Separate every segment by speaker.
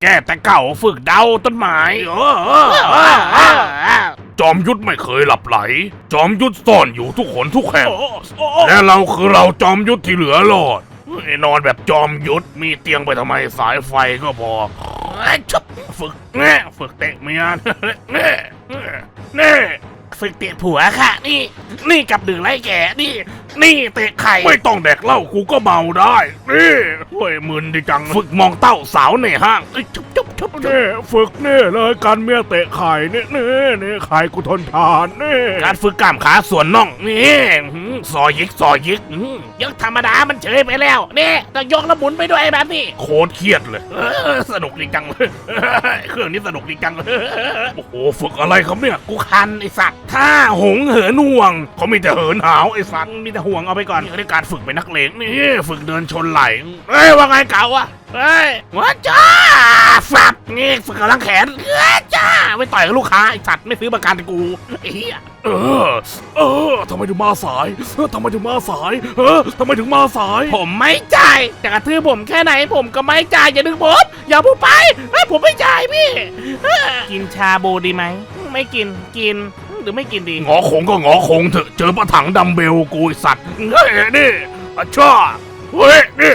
Speaker 1: แก่แต่เก่าฝึกเดาต้นไม้จอมยุทธไม่เคยหลับไหลจอมยุทธซ่อนอยู่ทุกคนทุกแห่งและเราคือเราจอมยุทธที่เหลือรอดนอนแบบจอมยุทธมีเตียงไปทำไมสายไฟก็พอชุบฝึกแน่ฝึกเตะเมียแน่ฝึกเตะผัวค่ะนี่กับดื่มไรแก่นี่เตะไข่ไม่ต้องแดกเหล้ากูก็เมาได้นี่เฮ้ยมึนดิจังฝึกมองเต้าสาวในห้างชุบนี่ฝึกนี่เลยการเมียเตะไข่นี่ไข่กูทนทานนี่การฝึกกล้ามขาส่วนน่องนี่ซอยยิกยกธรรมดามันเฉยไปแล้วนี่ต้องยกแล้วหมุนไปด้วยแบบนี้โคตรเครียดเลยสนุกดีจังเลยเครื่องนี้สนุกดีจังเลยโอ้โหฝึกอะไรครับเนี่ยกูคันไอสัตว์ถ้าหงเหินห่วงเขามีแต่เหินหาวไอสัตว์มีแต่ห่วงเอาไปก่อนนี่การฝึกเป็นนักเลงนี่ฝึกเดินชนไหลว่าไงเก่าอะว้าจ้าสับนี่ฝึกกำลังแขนจ้าไม่ต่อยกับลูกค้าไอสัตว์ไม่ซื้อประกันกูไอ้เหี้ยทำไมถึงมาสายทำไมถึงมาสายทำไมถึงมาสายผมไม่จ่ายจะกระทืบผมแค่ไหนผมก็ไม่จ่ายอย่าดึงผมอย่าพูดไปผมไม่จ่ายพี่กินชาบูดีไหมไม่กินหรือไม่กินดีงอคงก็งอคงเถอะเจอปะถังดัมเบลกูไอสัตว์นี่ช่อเฮ้ยนี่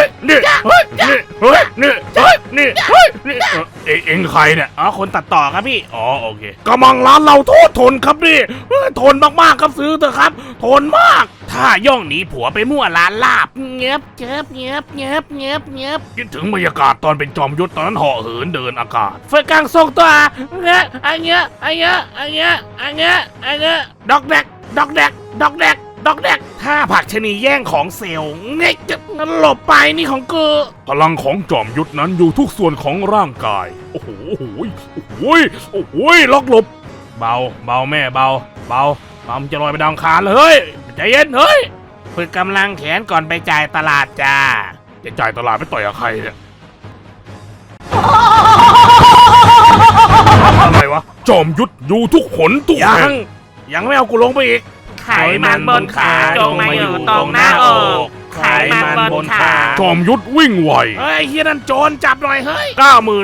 Speaker 1: เอ็งใครเนี่ยอ๋อคนตัดต่อครับพี่อ๋อโอเคกำลังร้านเราโทษทนครับนี่ทนมากๆครับซื้อเถอะครับทนมากถ้าย่องหนีผัวไปมั่วร้านลาบเงียบคิดถึงบรรยากาศตอนเป็นจอมยุทธตอนนั้นห่อเหินเดินอากาศเฟยกังส่งตัวเงี้ยดอกแดกถ้าผักชนีแย่งของเซลล์เงี้ยจะหลบไปนี่ของกูพลังของจอมยุทธนั้นอยู่ทุกส่วนของร่างกายโอ้โหล็อกหลบเบาแม่เบามันจะลอยไปดาวคารเลยเฮ้ยใจเย็นเฮ้ยฝึกกำลังแขนก่อนไปจ่ายตลาดจ้าจะจ่ายตลาดไปต่อยกับใครเนี่ยอะไรวะจอมยุทธอยู่ทุกขนทุกแห่งยังไม่เอากูลงไปอีกไขมันบนขาจงมาอยู่ตรงหน้าอกไขมันบนขาจอมยุทธวิ่งไวเฮ้ยเฮียนั่นโจรจับหน่อยเฮ้ย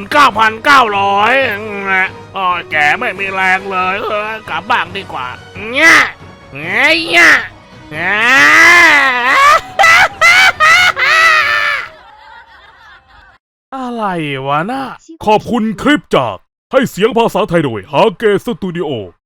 Speaker 1: 99,900อ๋อแกไม่มีแรงเลยกลับบ้านดีกว่าเนี่ยอะไรวะน่ะขอบคุณคลิปจากให้เสียงภาษาไทยโดยฮาเกสตูดิโอ